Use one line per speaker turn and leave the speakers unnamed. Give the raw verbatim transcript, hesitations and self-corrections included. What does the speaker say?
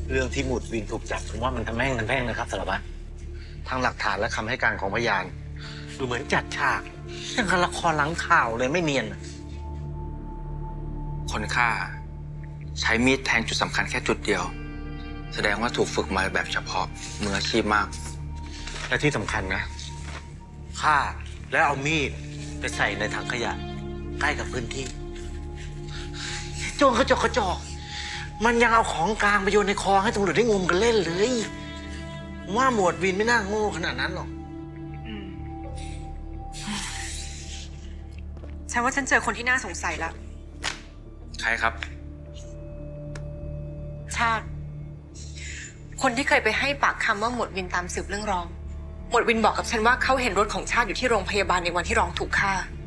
เรื่องที่หมุดวินถูกจับผมว่ามันทำแม่งกันแพ่งนะครับสารวัตรทางหลักฐานและคำให้การของพยานดูเหมือนจัดฉากยังกับละครหลังข่าวเลยไม่เนียน
คนฆ่าใช้มีดแทงจุดสำคัญแค่จุดเดียวแสดงว่าถูกฝึกมาแบบเฉพาะมืออาชีพมาก
และที่สำคัญนะฆ่าแล้วเอามีดไปใส่ในถังขยะใกล้กับพื้นที่โจรกระจอกกระจอกมันยังเอาของกลางไปโยนในคลองให้ตำรวจได้งมกันเล่นเลยว่าหมวดวินไม่น่าโง่ขนาดนั้นหรอก
ฉันว่าฉันเจอคนที่น่าสงสัยแล้ว
ใครครับ
ชาติคนที่เคยไปให้ปากคำว่าหมวดวินตามสืบเรื่องรองหมวดวินบอกกับฉันว่าเขาเห็นรถของชาติอยู่ที่โรงพยาบาลในวันที่รองถูกฆ่า